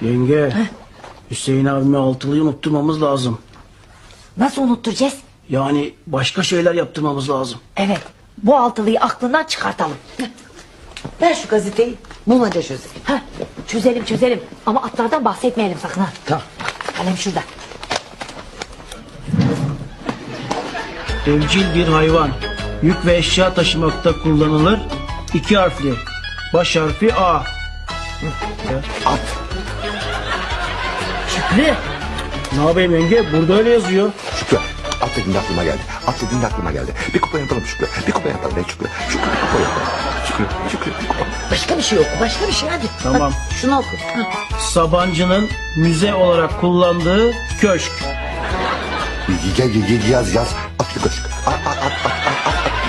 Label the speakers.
Speaker 1: Yenge, Hüseyin abime altılıyı unutturmamız lazım.
Speaker 2: Nasıl unutturacağız?
Speaker 1: Yani başka şeyler yaptırmamız lazım.
Speaker 2: Evet, bu altılıyı aklından çıkartalım.
Speaker 3: Ver şu gazeteyi. Bulmaca çözelim.
Speaker 2: Heh, çözelim ama atlardan bahsetmeyelim sakın ha.
Speaker 3: Tamam.
Speaker 2: Kalem şurada.
Speaker 1: Evcil bir hayvan. Yük ve eşya taşımakta kullanılır. 2 harfli. Baş harfi A.
Speaker 3: At.
Speaker 2: Şükrü.
Speaker 1: Ne yapayım yenge? Burada öyle yazıyor.
Speaker 4: Şükrü, at dediğinde aklıma geldi. At dediğinde aklıma geldi. Bir kupa yapalım Şükrü. Bir kupa yapalım Şükrü. Şükrü bir kupa yapalım. Şükrü bir kupa.
Speaker 3: Başka bir şey oku. Başka bir şey hadi.
Speaker 1: Tamam.
Speaker 3: Hadi, şunu oku.
Speaker 1: Sabancı'nın müze olarak kullandığı köşk.
Speaker 4: Yaz. At Şükrü. At.